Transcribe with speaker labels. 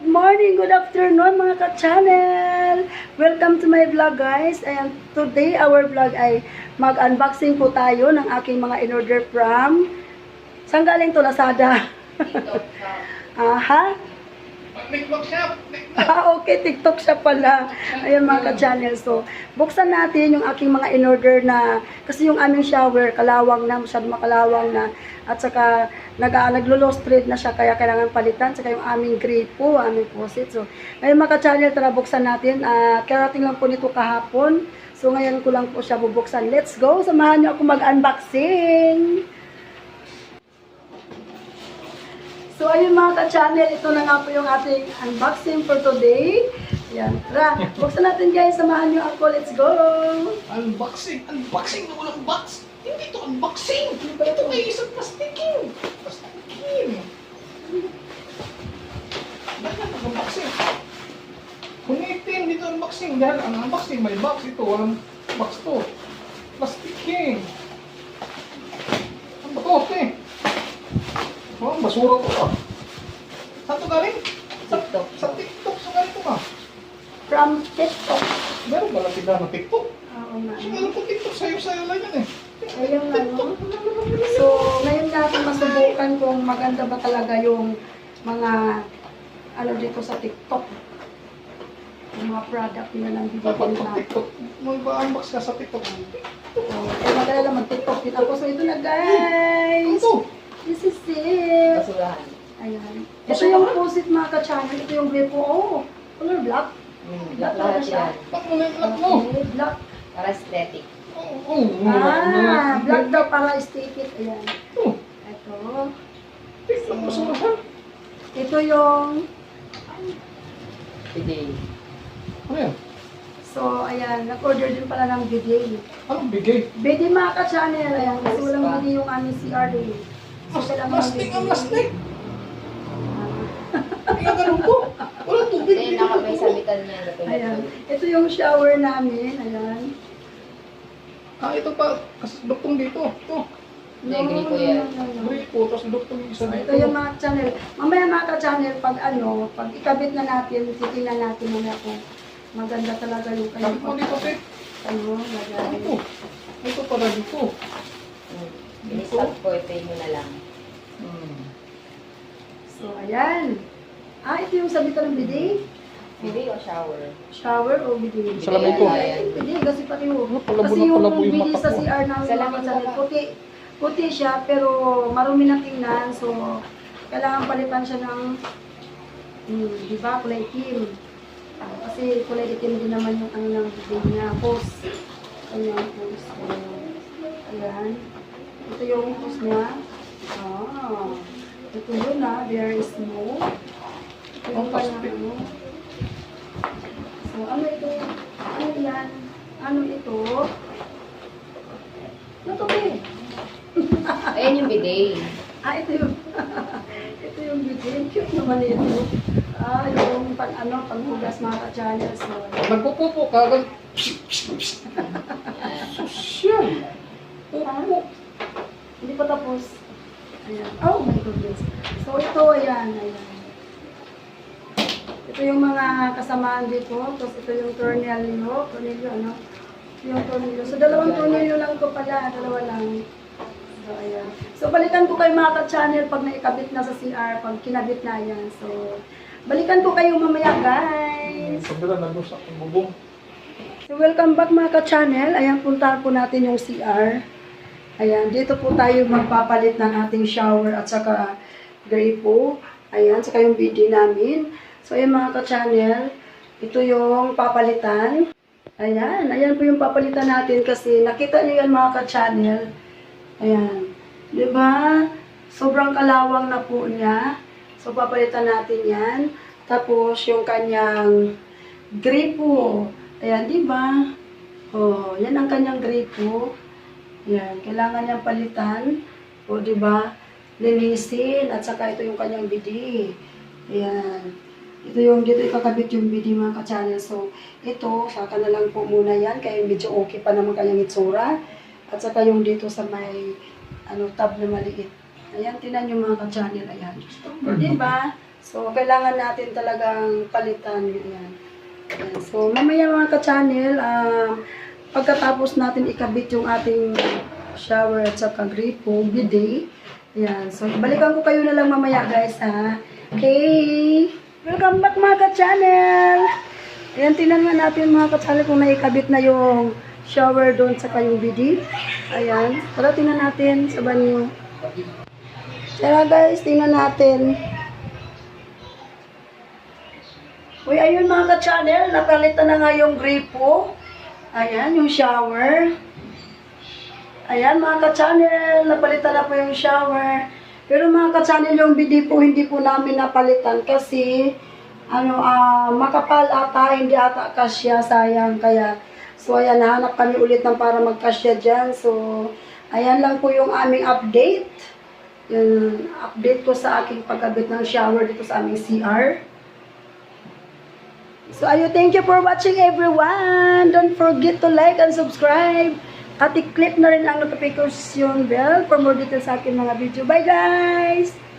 Speaker 1: morning, good afternoon mga ka-channel! Welcome to my vlog guys. And today our vlog ay mag-unboxing po tayo ng aking mga in-order from... Saan galing to? Lazada? Aha?
Speaker 2: TikTok shop.
Speaker 1: Okay, TikTok siya pala. Ayan mga ka-channel. So, buksan natin yung aking mga in-order na, kasi yung aming shower, kalawang na, masyado makalawang na, at saka naglo-lost thread na siya, kaya kailangan palitan, saka yung aming gripo, aming faucet. So, ngayon mga ka-channel, tara buksan natin. Karating lang po nito kahapon. So, ngayon ko lang po siya bubuksan. Let's go! Samahan niyo ako mag-unboxing! So, ayun mga ka-channel, ito na nga po yung ating unboxing for today. Yan, tara, buksan natin guys, samahan nyo ako, let's go!
Speaker 2: Unboxing na walang box. Hindi ito unboxing. Ito may isang plastikin. Bakit unboxing? Kunitin dito unboxing. Dahil ang unboxing may box ito. Walang box to. Plastikin. Ang bato, oh, basura to ka. Saan to galing?
Speaker 1: TikTok.
Speaker 2: Sa TikTok. Saan galing to ka?
Speaker 1: From TikTok.
Speaker 2: Meron ba lang tignan ng TikTok?
Speaker 1: Oo nga.
Speaker 2: Kasi meron po TikTok. Sayo-sayo lang yan eh.
Speaker 1: Ayun ano. So, ngayon natin masubukan kung maganda ba talaga yung mga ano dito sa TikTok. Yung mga product nila ng
Speaker 2: Dapat
Speaker 1: bibigyan
Speaker 2: pag
Speaker 1: na.
Speaker 2: TikTok, mag-unbox ka sa TikTok.
Speaker 1: Eh, maganda lang mag-TikTok din ako. So, ito na guys.
Speaker 2: Ito.
Speaker 1: This is it.
Speaker 3: Basurahan.
Speaker 1: Ayan. Ito yung faucet mga ka-channel. Ito yung gripo. Oh, color black.
Speaker 3: Black lahat yan.
Speaker 2: Ba't mo na yung black mo?
Speaker 1: Okay, black.
Speaker 3: Para aesthetic.
Speaker 2: Oo.
Speaker 1: Black daw para aesthetic. Ayan.
Speaker 2: Ito.
Speaker 1: Ito.
Speaker 2: TikTok basurahan.
Speaker 1: Ito yung...
Speaker 3: Today.
Speaker 2: Ano yan?
Speaker 1: So, ayan. Nag-order din pala ng bidet.
Speaker 2: Anong bigay?
Speaker 1: Bidet mga ka-channel. Ayan. Kasi walang bidet yung aming CR eh. So, kailangan ng
Speaker 2: Plastic ang
Speaker 1: bidet.
Speaker 2: plastic. Hindi ka ganun ko. Walang tubig.
Speaker 3: Ito yung nakabay sabitan niya.
Speaker 1: Ayan. Ito yung shower namin. Ayan.
Speaker 2: Ito pa. Kasi duktong dito. Ito.
Speaker 3: Hindi, gripo yan.
Speaker 2: Gripo. Tapos duktong yung isa
Speaker 1: So,
Speaker 2: dito.
Speaker 1: ito yung mga channel. Mamaya mga ka-channel, pag ikabit na natin, titingnan natin muna kung maganda talaga yung
Speaker 2: Kapit mo dito, te.
Speaker 1: lagay.
Speaker 2: Ito. Ito para dito.
Speaker 3: Inistat ko, ito mo na lang.
Speaker 1: So, ayan. Ito yung sabitan ng bidet.
Speaker 3: Bidet o shower?
Speaker 1: Shower o bidet?
Speaker 2: Salamin ko.
Speaker 1: Bidet, kasi pati yung...
Speaker 2: Palabo
Speaker 1: Kasi
Speaker 2: na
Speaker 1: yung
Speaker 2: palabo yung
Speaker 1: bidet
Speaker 2: mata
Speaker 1: sa
Speaker 2: ko.
Speaker 1: CR namin mga
Speaker 3: Salamin
Speaker 1: ka-channel,
Speaker 3: ko
Speaker 1: puti siya, pero marumi na tingnan. So, kailangan palitan siya ng... di ba? Kulay itim. Kasi kulay itim din naman yung ano ng bidet niya. Post. Ayan, post. Ayan. Ito yung post niya. Ito yun very smooth. Ito yung
Speaker 2: plastic.
Speaker 1: ano. So, ano ito? Ano yan? Ano ito? Ano to eh?
Speaker 3: Ayan yung bidet.
Speaker 1: Ito yung ito yung bidet. Cute naman ito. Yung panghugas mga ka-channel. So,
Speaker 2: Nagpupupo ka. Sosyal. Pupo.
Speaker 1: hindi pa tapos. Ayan. Oh my goodness. So, ito, ayan. Ito yung mga kasamaan dito. Tapos, ito yung tornilyo. Ano? Yung tornilyo. So, dalawang tornilyo lang ito pala. Dalawa lang. So, ayan. So, balikan ko kayo mga ka-channel pag naikabit na sa CR. Pag kinabit na yan. So, balikan ko kayo mamaya, guys.
Speaker 2: Sabila na doon sa bubong.
Speaker 1: So, welcome back mga ka-channel. Ayan, puntahan po natin yung CR. Ayan, dito po tayo magpapalit ng ating shower at saka gripo. Ayan, saka yung bidet namin. So, ayan mga ka-channel, ito yung papalitan. Ayan po yung papalitan natin kasi nakita niyo yan mga ka-channel. Ayan, di ba? Sobrang kalawang na po niya. So, papalitan natin yan. Tapos, yung kanyang gripo. Ayan, di ba? Oh, yan ang kanyang gripo. Yan, kailangan niyang palitan. O, di ba? Linisin. At saka ito yung kanyang bidet. Ayan. Ito yung dito ikakabit yung bidet mga ka-channel. So, ito, saka na lang po muna yan. Kaya medyo okay pa naman kanyang itsura. At saka yung dito sa may tab na maliit. Ayan, tinan yung mga ka-channel. Ayan. Di ba? So, kailangan natin talagang palitan. Ayan. Ayan. So, mamaya mga ka-channel, pagkatapos natin ikabit yung ating shower at saka gripo, bidet. Ayan. So, balikan ko kayo na lang mamaya guys ha. Okay. Welcome back mga ka-channel. Ayan, tingnan nga natin mga ka-channel kung naikabit na yung shower doon sa kayong bidet. Ayan. Tara, tingnan natin sa banyo. Tara guys, tingnan natin. Uy, ayun mga ka-channel, napalitan na nga yung gripo. Ayan, yung shower. Ayan mga ka-channel, napalitan na po yung shower. Pero mga ka-channel, yung bidet po, hindi po namin napalitan kasi makapal ata, hindi ata kasya, sayang. Kaya, so ayan, nahanap kami ulit ng para magkasya dyan. So, ayan lang po yung aming update. Yung update ko sa aking pagkabit ng shower dito sa aming CR. So, ayun, thank you for watching everyone. Don't forget to like and subscribe. At i-click na rin ang notification bell for more details sa aking mga video. Bye guys!